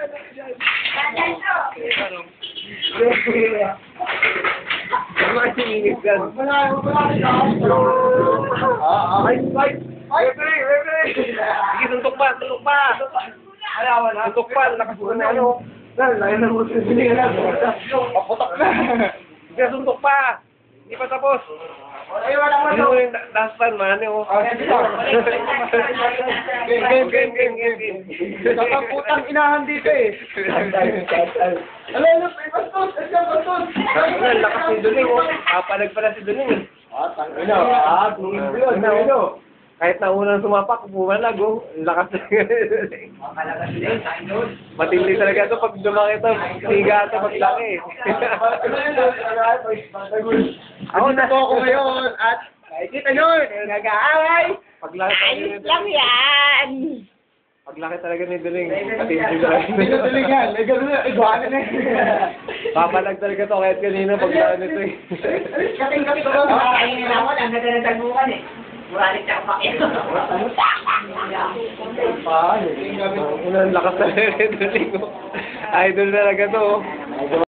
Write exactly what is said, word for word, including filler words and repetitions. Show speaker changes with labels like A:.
A: Ano kasi minit yan?
B: Wala, wala, wala.
A: Ah, ay, ay, ay, referee, referee. Sige, suntok pa, suntok pa.
B: Ayaw na.
A: Suntok pa, lakas mo na ano.
B: Dahil, layo na mo sa siningan na.
A: Paputok na. Sige, suntok pa. Hindi pa tapos.
B: Ay, wala mo.
A: Hindi mo yung last time, man. Yung... Game, game, game, game, game.
B: Kakaputang inahan dito eh. Ano, ano, bastos, bastos.
A: Ang lakas ni Duling, oh. Kapalag pala si Duling, eh.
B: Ah, tangina. Ah, tungin ko yun, tungin ko.
A: Kahit na unang sumapak, bumalag, oh. Ang lakas na matindi talaga ito pag dumaki ito. Siga ito pag laki.
B: Ako na po ako ngayon at nakikita nyo, nag-aaway.
A: Pag laki
C: Ayos lang yan.
A: Pag laki talaga ni Duling, matindi talaga.
B: Hindi na tulingan, may gano'n na, iguana na eh.
A: Papalag talaga ito kahit kanina pag laki nito, eh.
B: Kating-kating ko lang.
C: Ayun na ako, ang ganda ng tagbukan eh. Muralit siya kumakit.
B: Paano?
A: Unang lakas talaga ni Duling, oh. Idol talaga to, oh.